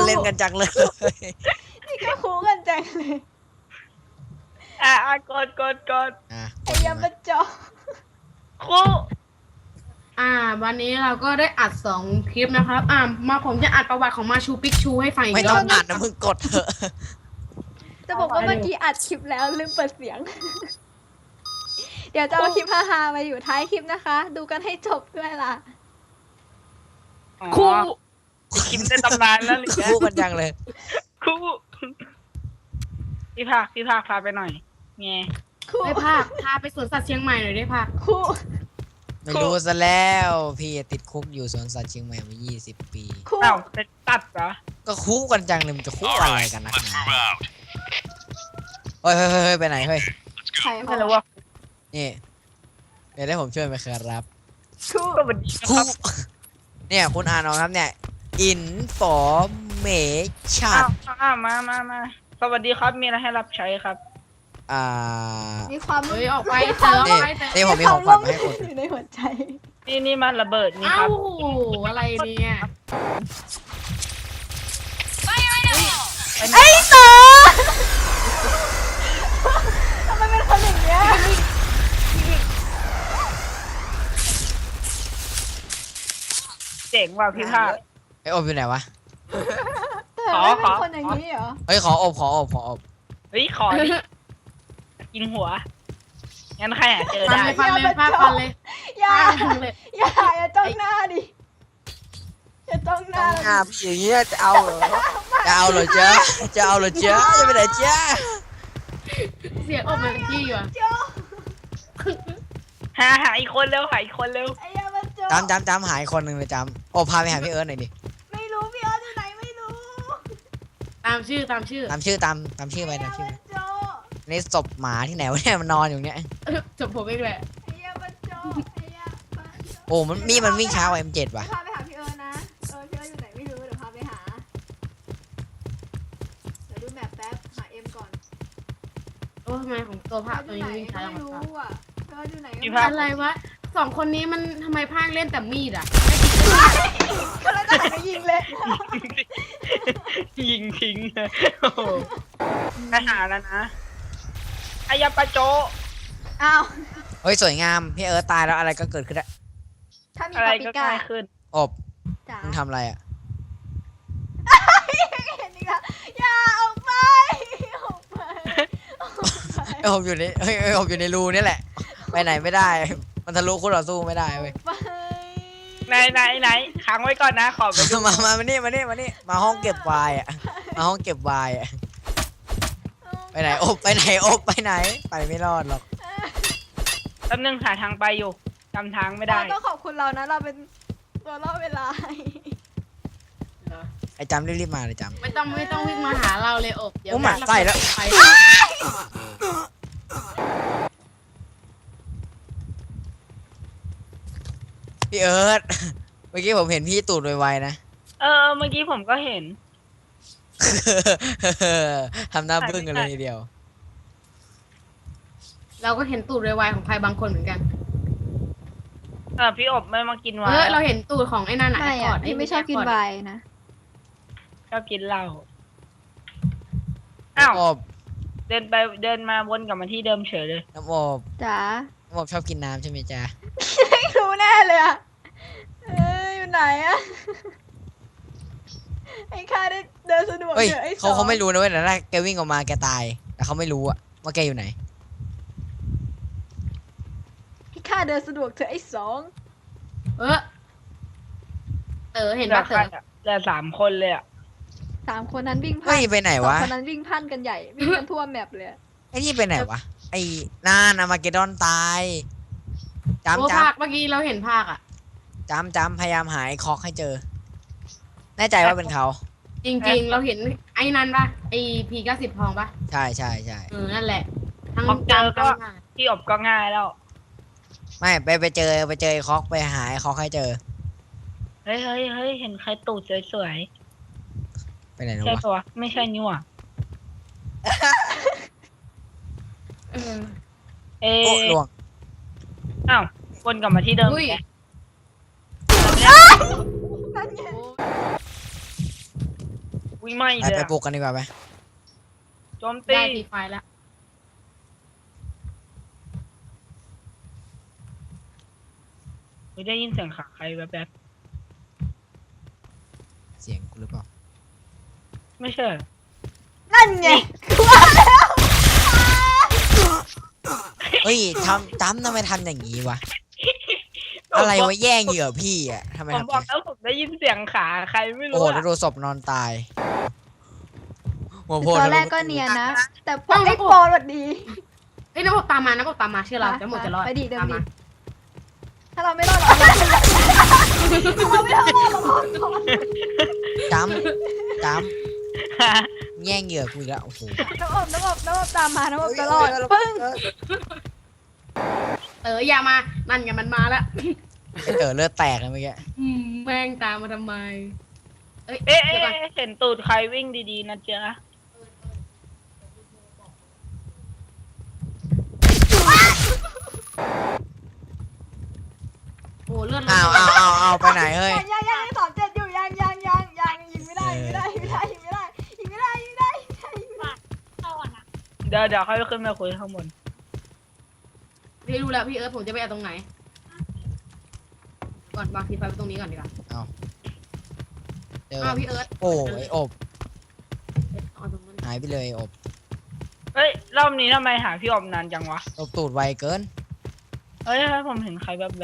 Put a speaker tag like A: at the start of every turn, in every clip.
A: เล่นกันจังเลย
B: นี่ก็คูกันจังเลย
C: กด
B: ไอ้ยามาจอ
C: คู่
D: วันนี้เราก็ได้อัด2 คลิปนะครับมาผมจะอัดประวัติของมาชูปิกชูให้ฟังอี
A: ไม่
D: กร
A: ต้อ
D: อง บ
A: อ่านนะมึงกดเถอะ
B: จะบอกว่าเมื่อกี้อัดคลิปแล้วลืมเปิดเสียง เดี๋ยวจะเอาคลิปฮาๆมาอยู่ท้ายคลิปนะคะ ดูกันให้จบด้วยล่ะ
C: คู่คิมในตำนานแล้วหรือ
A: คู่กันจังเลย
C: คู่พี่ภาคพาไปหน่อยไง
B: คู่
D: ได้ภาคพาไปสวนสัตว์เชียงใหม่หน่อยได้ภาค
B: คู่
A: ไม่รู้ซะแล้วพี่ติดคุกอยู่สวนสัตว์เชียงใหม่มา20 ปี
B: คู่
C: อ้าวจะตัดเหรอ
A: ก็คู่กันจังเลยมันจะคู่อะไรกันนักหนาเฮ้ยไปไหนเฮ้ย
B: ใคร
C: ไม่รู้ว่า
A: นี่เดี๋ยวได้ผมช่วยไหมครับ
B: คู่
C: ก็มันดีนะค
A: คู่
C: รับ
A: เนี่ยคุณอ่านเอาครับเนี่ย information
C: อ้าวมาสวัสดีครับมีอะไรให้รับใช้ครับ
B: มีความ
D: เฮ้ยออกไปเจอออกไปเจอ
A: นี่ผมมีของขวัญมาให้คุณ
B: อยู่ในหัวใจ
C: นี่มันระเบิดนี่ค
D: เอ้า
C: รับ
D: อะไรเนี่ย
B: ไอ้ต่อทำไมเป็นคนอย่างเงี้ย
C: เจ๋งว่ะพี่ภาค
A: ไออบอยู่ไหนวะ
B: แต่ไม่เป็นคนอย่างนี้เหรอ
A: เฮ้ยขออบ
C: เฮ้ยขอดิกินหัวงั้นใครหาเจอ
D: ฟัน
C: ได้
D: เลยฟันเลยภาคฟันเลย
B: อย่า
D: ฟันเลย
B: อย่าจ้องหน้าดิอย่าจ้องหน้า
A: อ่าพี่อย่างเงี้ยจะเอาเหรอจะเอาเหรอจ๊ะจะเอาเหรอจ๊ะจะไปไหนจ๊ะ
D: เสียงอบมันจี้ว่ะ
B: โจ้
C: หาอีกคนเร็วหาอีกคนเร็ว
B: ไอ้ยามาโจ้
A: จำหายคนหนึ่งเลยจำโอ้พาไปหาพี่เอิร์ธหน่อยดิ
B: ไม่รู้พี่เอิร์ธอยู่ไหนไม่รู้
D: ตามชื่อ
A: ตามชื่อไปตามชื่อไป
B: ไอ้ยามาโจ้
A: นี่ศพหมาที่ไหนวะเนี่ยมันนอนอยู่เนี่ย
D: จบผมเองแหละ
B: ไอ้ยามาโจ้ไอ้ยามาโจ้
A: โอ้มันวิ่งช้ากว่า M7 ว่ะ
B: พาไปหาพี่เอิร์ธนะพี่เอิร์ธอยู่ไหนไม่รู้เดี๋ยวพาไปหาเดี๋ยวดูแมปแป๊บหาเอ็มก่อน
D: โอ้ทำไมของตัวภาค
B: อ
D: ตัว
B: ยู่
D: นี้
B: ไหน
D: วิ่งช้า
B: ไม่
D: จังวะ
B: รู้อ่ะพี่เอิร์ธอยู่ไหน
C: พี่
B: ก็
C: ภาค
D: อะไรวะ2 คนนี้มันทำไมภาคเล่นแต่มีดอ่ะ
B: ก็เลยต้องหันไปยิงเลย
C: ยิงทิ้งโอ้โหไปหาแล้วนะอายาปะโจ
B: อ้าว
A: เฮ้ยสวยงามพี่เอิร์ธตายแล้วอะไรก็เกิดขึ้นได้
B: ถ้ามี
C: อะไร
B: ปาปิ
C: ก็
B: ก้า
C: ง่ายขึ้น
A: อบ
B: จ๋า
A: มึงทำอะไรอ่ะ
B: เห็นอีกแล้วอย่าออกไปออกไปออกไป
A: ไออบอยู่ในอบอยู่ในรูนี่แหละ ไปไหนไม่ได้ มันทะลุคู่ต่อสู้ไม่ได้เว้ย
B: ไป
C: ไหนค้างไว้ก่อนนะ ขอไปดู
A: มานี่มาห้องเก็บไวน์อ่ะมาห้องเก็บไวน์อ่ะไปไหนอบไปไหนอบไปไหนไปไม่รอดหรอก
C: แป๊บนึงหาทางไปอยู่จำทางไม่ได้
B: เราต้องขอบคุณเรานะเราเป็นตัวล่อเวลา
A: ไอจำรีบมาเลยจำ
D: ไม่ต้องวิ่งมาหาเราเลยอบเดี๋ยว
A: โอ้หมาใส่แล้ว
D: ไป
A: พี่เอิร์ธเมื่อกี้ผมเห็นพี่ตูดไวๆนะ
C: เมื่อกี้ผมก็เห็น
A: ทำหน้าบึ้งกันเลยทีเดียว
D: เราก็เห็นตูดไวๆของใครบางคนเหมือนกัน
C: พี่อบไม่มากินไวน์
D: เราเห็นตูดของไอ้นั่น
B: ไม่
D: ก่
B: อะพี่ไม่ชอบกินไวน์นะ
C: ชอบกินเหล้าอ้าว
A: อบ
C: เดินมาวนกลับมาที่เดิมเฉยเลย
A: น้ำอบ
B: จ๋า
A: น้ำอบชอบกินน้ำใช่ไหมจ๊ะ
B: ไม่รู้แน่เลยอะอยู่ไหนอะไอ้ข้าได้เดินสะดวก
A: เฮ้ย
B: เจอไอ้ส
A: เขาไม่รู้นะเว้ยแต่ถ้าแกวิ่งออกมาแกตายแต่เขาไม่รู้อะว่าแกอยู่ไหน
B: ไอ้ข้าเดินสะดวกเจอไอ้สอง
D: เห็น
C: เหลื
D: ปะ
C: อใครอะเหลือ3 คนเลยอ่ะ
B: 3 คนนั้นวิ่งพ
A: เฮ้
B: ล่าย น
A: ไปไหน
B: สอง
A: วะ
B: คนนั้นวิ่งพล่านกันใหญ่วิ่งกันทั่วแมปเลยอะ
A: ไอ้นี่ไปไหนวะไอ้นานอามาเกดอนตายจำ
D: ภาคเมื่อกี้เราเห็นภาคอ่ะ
A: จำพยายามหาไอ้คอกให้เจอ แน่ใจว่าเป็นเขา
D: จริงๆ เราเห็นไอ้นั่นปะไอ้P90ทองปะ
A: ใช่
D: นั่นแหละทั้ง
C: พอเจอก็
D: ทั้งภาค
C: พี่อบก็ง่ายแล้ว
A: ไม่ไปเจอไอ้คอกไปหาไอ้คอกให้เจอ
C: เฮ้ยเห็นใครตูดสวย
A: ไปไหน
C: ๆ
A: นะ
C: ใช่
A: วะ
C: ปะวะไม่ใช่นี่หว่า
D: เออ
C: เอ๊
A: โอ้ลวง
C: อ้าววนกลับมาที่เดิม
D: อุ้ย
C: แก
B: นั่นไง
C: อุ้ยไม่
A: ไป
C: เลย
A: ไป
C: อะ
A: ปลูกกันดีกว่าไป
C: โจมตี
D: ได้ทีไฟแล้ว
C: ไม่ได้ยินเสียงขาใครแบบ
A: เสียงกูหรือเปล่า
C: ๆไม่ใช่
B: นั่นไง
A: เฮ้ยทำไมทำอย่างนี้วะอะไรวะแย่งเหยื่อพี่อ่ะทำไม
C: ผม
A: ทำ
C: บอกแล้วผมได้ยินเสียงขาใครไม่
A: โอ้
C: รู้
A: โห
C: อะ
A: ดูศพนอนตายหัวโพ
B: ตอนแรกก็เนียนนะ แต่พอไอ้ปอนสวัสดี
D: เอ้ยน้ำอบตามมาน้ำอบตามมาเชื่อเราน้ำอบจะรอด
B: ไปดิเดิน
D: ตาม
B: ดิ
D: มา
B: ถ้าเราไม่รอดเราไม่รอดเรารอดก่อน
A: จำแย่งเหยื่อกูอีกแล้วโอ้โห
B: น้ำอบตามมาน้ำอบจะรอดปึ้ง
D: อย่ามานั่นไงมันมาแล้ว
A: ไอเต๋อเลือดแตกเลยเมื่อกี้
D: แม่งตามมาทำไมเอ้ย
C: เอ๊ะ
D: เดี๋ยวก่อน
C: เห็นตูดใครวิ่งดีๆนะเจ๊ะ
D: โอ้เลือด
A: เอาไปไหนเฮ้ย
B: ยัง37อยู่ยังยิงไม่ได้ยิงไม่ได้
C: เดี๋ยวค่อยขึ้นมาคุยข้างบน
D: พี่รู้แล้วพี่เอิร์ธผมจะไปเอาตรงไหน ก่อนวางทีไฟไว้ตรงนี้ก่อนดีกว่า
A: เจอ
D: อ้าวพี่เอิร์ธ
A: โอ้ไออบ
D: เอาตรงนั้น
A: หายไปเลยอบ
C: เฮ้ยรอบนี้ทำไมหาพี่ออมนานจังวะ
A: อบตูดไวเกิน
C: เฮ้ยผมเห็นใครแบบ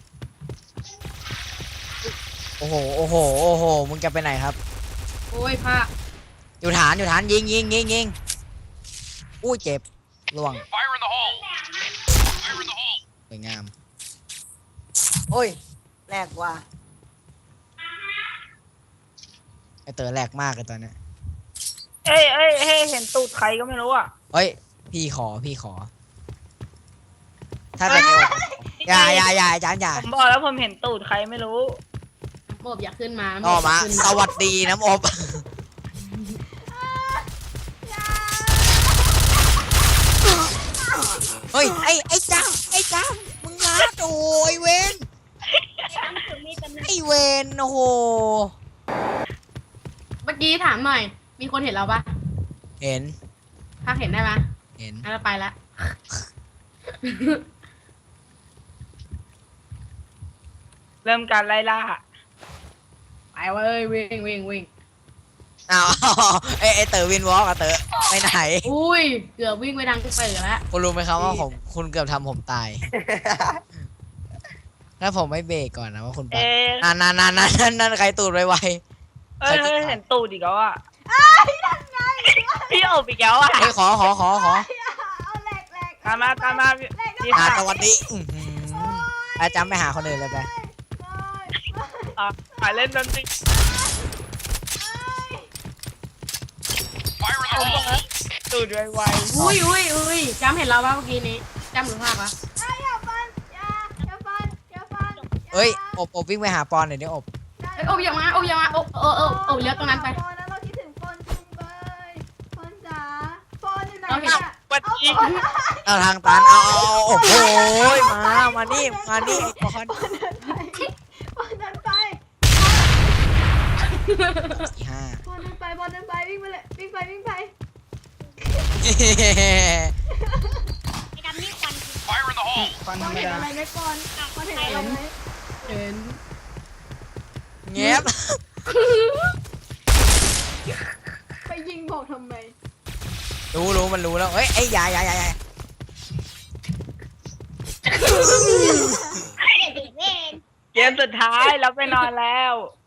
A: โอ้โหมึงจะไปไหนครับ
D: โอ้ยผ้า
A: อยู่ฐานยิงอุ้ยเจ็บล่วงสวยงามโอ้ยแหลกว่ะไอเต๋อแหลกมากเลยตอนเนี้ย
C: เอ้ยเห็นตูดใครก็ไม่รู้อ่ะ
A: เฮ้ยพี่ขอถ้าเป็นไออบอย่าอาจารย์อย่า
C: ผมบอกแล้วผมเห็นตูดใครไม่รู้
D: น้ำอบอย่าขึ้นมา
A: ต่อมา
D: ขึ้น
A: สวัสดีน้ำอบเฮ้ยไอ้จ้ามึงลาดโอ้ยเวนไอเวนโอ้โห
D: เมื่อกี้ถามหน่อย มีคนเห็นเราปะ
A: เห็น
D: ถ้าเห็นได้ปะ
A: เห็น
D: งั้นเราไปละ
C: เริ่มการไล่ล่า
D: ไปเว้ยวิ่ง
A: อ้าวไอเต๋อวินวอล์กอะเต๋อไปไหน
D: อุ้ยเกือบวิ่งไปทางเปิดแล้ว
A: คุณรู้ไหมครับว่าคุณเกือบทำผมตาย ถ้าผมไม่เบรกก่อนนะว่าคุณไป
C: เอ๊ะ
A: นั่นใครตูดไว
C: เฮ้ยเห็นตูดอีกแล้วอ่ะพี่อบอีกแล้วอ่ะ
A: ๆเฮ้ยขอ
B: เอาแหลก
C: ตามมาพี่
A: สวัสดีอาจารย์ไปหาคนอื่นเลยไป
C: เล่นดนตรีตูดไว
D: อุ้ยจำเห็นเราปะเมื่อกี้นี้จำหรือภาพปะ
B: อย่าฟัน
A: เฮ้ยอบวิ่งไปหาปอนหน่อยดิอบ
D: เอ้ยอบอย่ามาอบเลี้ยวตรงนั้นไป
B: ปอนนะเราคิดถึงปอนจุงเบยปอนจ๋าปอนอยู่ไหน
D: เราเห็น
B: เนี่ย
C: ๆวันนี้
A: เอาทางตันเอาโอ้โหมานี่ไอ้ปอน
B: ปอนเดินไป
A: 4-5
B: ปอนเดินไปวิ่งไปเลยวิ่งไป
C: ฟันธรรม
B: เห็น
C: ดา
B: อะไรไหมปอนเห็นอะไรไหม
D: เห็น
A: เงียบ
B: ไปยิงบอกทำไม
A: รู้มันรู้แล้วเฮ้ยไอ้ยาย
C: เกมสุดท้ายเราไปนอนแล้ว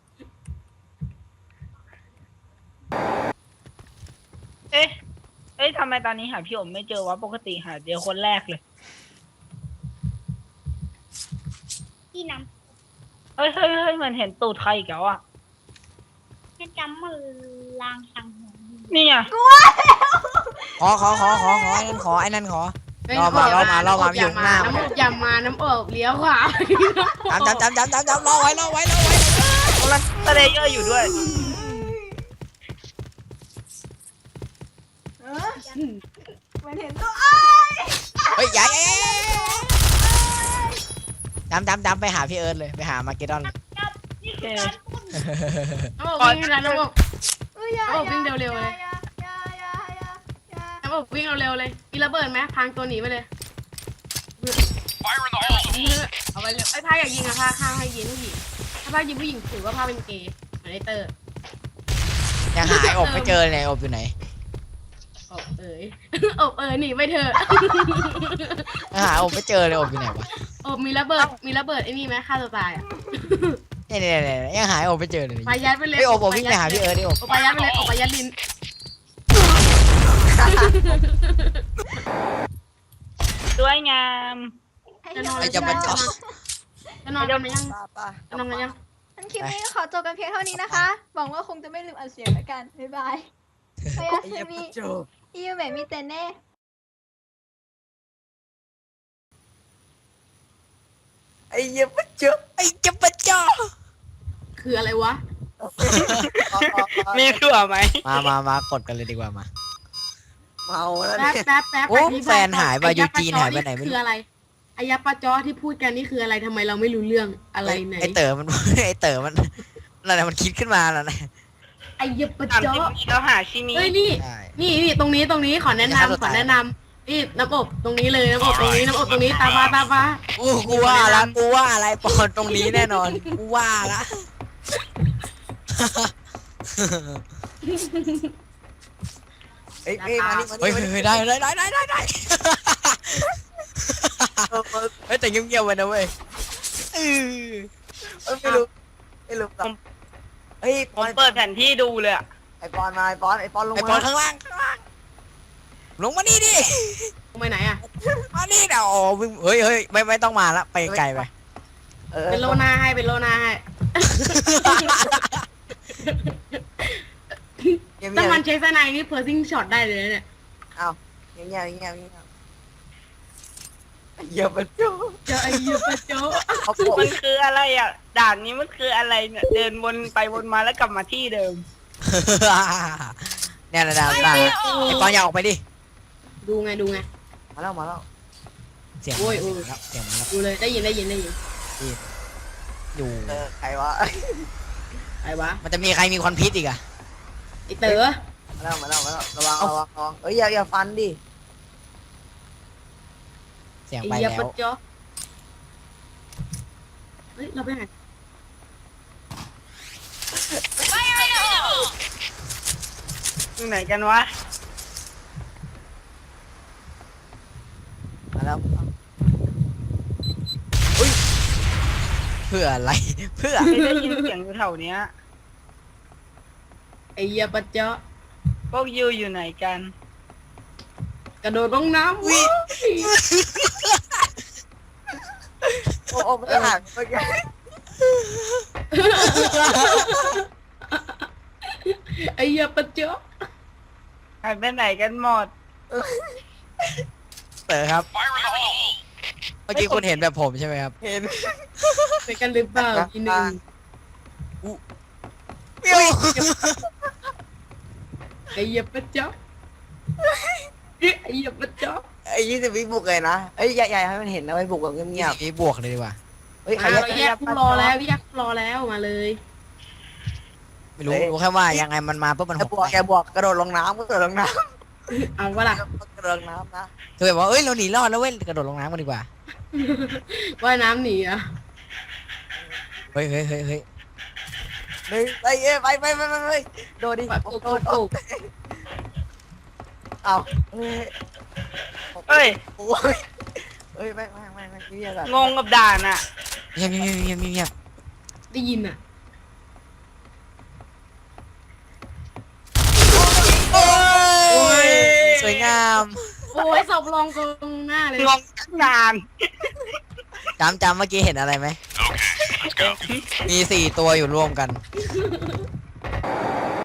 C: เอ๊ะทำไมตอนนี้หาพี่อมไม่เจอวะปกติหาเจอคนแรกเลย
E: ที่น้
C: เฮ้ยเหมือนเห็นตูดใครอีกแล้วอ่ะ
E: ำให้จำมือลางสังหรณ์
C: นี่ไง
A: ขอไอ้นั่นขอ รอมาอยู่ข้างหน้า
D: น้ำอบอย่ามาน้ำอบเลี้ยวขวา
A: จำรอไว้
C: กำลังสเลเยอร์อยู่ด้วย
B: มันเห็นตัว
A: เฮ้ยยายจำไปหาพี่เอิร์ธเลยไปหามาเกดอนเลย
E: นี่คือการปุ้น
D: น้ำอบวิ่งนะน้ำอบ
B: อุ้ยอย่า
D: เอาวิ่งเร็วๆเลย
B: อย่าอย่า
D: แล้วบอกวิ่งเร็วๆเลยมีระเบิดไหมพังตัวหนีไปเลยเอาไปเลยไอ้พาอยากยิงอะพาข้างให้ยิงผู้หญิงถ้าพายิงผู้หญิงถือว่าพาเป็นเกย์เหมือนไอเตอร์
A: ยังหาไอ้อบไม่เจอเลยอบอยู่ไหน
D: อบเอ๋ย อบเอ๋ยหนีไปเถอะ
A: ยังหาอบไม่เจอเลยอบอยู่ไหนวะ
D: อบมีระเบิดไอ้นี่ไหมฆ่าตัวตายอะ
A: เนี่ยยังหาไอ้อบไม่เจอเลย
D: ไปยัดไปเลย
A: ไอ้อบวิ่งไปหาพี่เอิร์ธดิอบ
D: อบไปยัดไปเลยอบไปยัดลิน
C: สวยงาม
D: จะนอน
A: ไอ้จะมาจ่อ
D: จะนอนกันไหมยังจะนอนกันยัง
B: งั้นคลิปนี้ขอจบกันเพียงเท่านี้นะคะ หวังว่าคงจะไม่ลืมอัดเสียงแล้วกัน บ๊ายบายโอเคมีอีเมลมีเตเน่
A: ไอ้เหี้ยมาเจอไอ้จะมาจ่อ
D: คืออะไรวะ
C: มีถั่วไหม
A: มากดกันเลยดีกว่ามา
F: เมาแล้ว
D: แป๊
F: เนี่ย
D: บแป๊บแป๊บ
A: โอ้
D: อธิบ
A: แฟนหายไป
D: ก่อ
A: ยูจีนหายไปไหนไม่รู้
D: คืออะไรอายาปาจอที่พูดกันนี่คืออะไรทำไมเราไม่รู้เรื่องอะไรไหน
A: ไอ้เต๋อมัน ไอ้เต๋อมันนั่นแหละมันคิดขึ้นมาแล้วนะ
D: อายาปา
C: ถาม
D: จอ
C: จริงเราหาชิมิ
D: เฮ้ยนี่
A: ใช่
D: นี่ตรงนี้ขอแนะ
A: อย่าฆ่าตัวน
D: ำขอ
A: ตาย
D: แนะนำนี่น้ำอบตรงนี้เลยน้ำอบตรงนี้น้ำอบตรงนี้ตามมา
A: กูว่าละกูว่าอะไรปอนตรงนี้แน่นอนกูว่าละ
F: เอ้ยมานี่
A: เฮ้ยได้เฮ้ยแต่เงียบๆไว้นะเว้ย
F: ไม่รู้เฮ้ย
C: ผมเปิดแผนที่ดูเลยอะ
F: ไอปอนมาไอปอนลง
A: ไอ้
F: มา
A: ปอนข้างล่างลงมานี่ดิ
D: ตรงไปไหนอ่ะ
A: มานี่เดี๋ยวอ๋อเฮ้ยไม่ต้องมาละไปไกลไป
D: เป็นโลนาให้ถ้ามันใช้สไนนี่เพอร์ซิงช็อตได้เลยเนี่ย
F: เอาเงียบเยอะไปจุ๊
D: เจอไอ้ยูปาโจ
F: เขาโก
C: มันคืออะไรอ่ะ ด่านนี้มันคืออะไรเนี่ย เดินวนไปวนมาแล้วกลับมาที่เดิม
A: เนี่ยนะดาวไอ้ปอนอย่าออกไปดิ
D: ดูไง
F: มาแล้ว
A: เสียง
D: โอ้ย
A: เสียงมันแล้ว
D: ดูเลยได้ยิน
A: อยู่
F: ใครวะ
D: ไอ้วะ
A: มันจะมีใครมีควันพิษอีกอะ
D: ไอ้เต๋อ
F: มาแล้วระวังเอ้ยอย่าฟันดิ
A: เสียง
D: ไอ้
A: ไป
D: ยู
A: แล้
D: ปาว โจเฮ้ยเราไปไหน
C: อยู่ไหนกันวะ
F: มาแล้ว
A: เพื่ออะไรเพื่อ
C: ไม่ได้ยินเสียงอยู่แถวเนี้ย
D: ไอ้ยูปาโจ
C: พวกยูอยู่ไหนกัน
D: กระโดดลงน้ำ
A: วิ
F: โอ้ไม่ห่างเมื่อกี้
D: ไอ้ยูปาโจ
C: หายไปไหนกันหมด
A: เต๋อครับเมื่อกี้คุณเห็นแบบผมใช่ไหมครับ
F: เห็น
D: ไปกันหรือเปล่าทีหนึ่งไอ้ยูปาโจไอ้ยูปาโจ
F: ไอ้20 วิบุกเลยนะเอ้ยใหญ่ให้มันเห็นนะไอ้บุกแบบเงียบ
A: นี่บวกเลยดีกว่า
F: เฮ้ยใคร
D: เราแยกรอแล้วมาเลย
A: ไม่รู้แค่ว่ายังไงมันมาปุ๊บมันหก
F: แกบวกกระโดดลงน้ำกระโดดลงน้
D: เอาวะล่ะ
F: ำกระโดดลงน้ำนะ
A: คือแบบว่าเอ้ยเราหนีรอดแล้วเว้ยกระโดดลงน้ำกันดีกว่า
D: ว่ายน้ำหนีอ่ะ
A: เฮ้ย
F: หนึ่งไปโดดดิ
D: แบบ
F: โด
D: โอ้
F: ดเอาเฮ้ย
C: เอ้ย
F: โอ้ยเอ้ยไม่เงียบแบบ
C: งงกับด่านอ่ะ
A: เงียบ
D: ได้ยินอ่ะ
A: โอ้ยสวยงาม
D: โอ้ยศพลองตรงหน้าเลย
C: งงตั้งนาน
A: จำเมื่อกี้เห็นอะไรไหมมี4 ตัวอยู่รวมกัน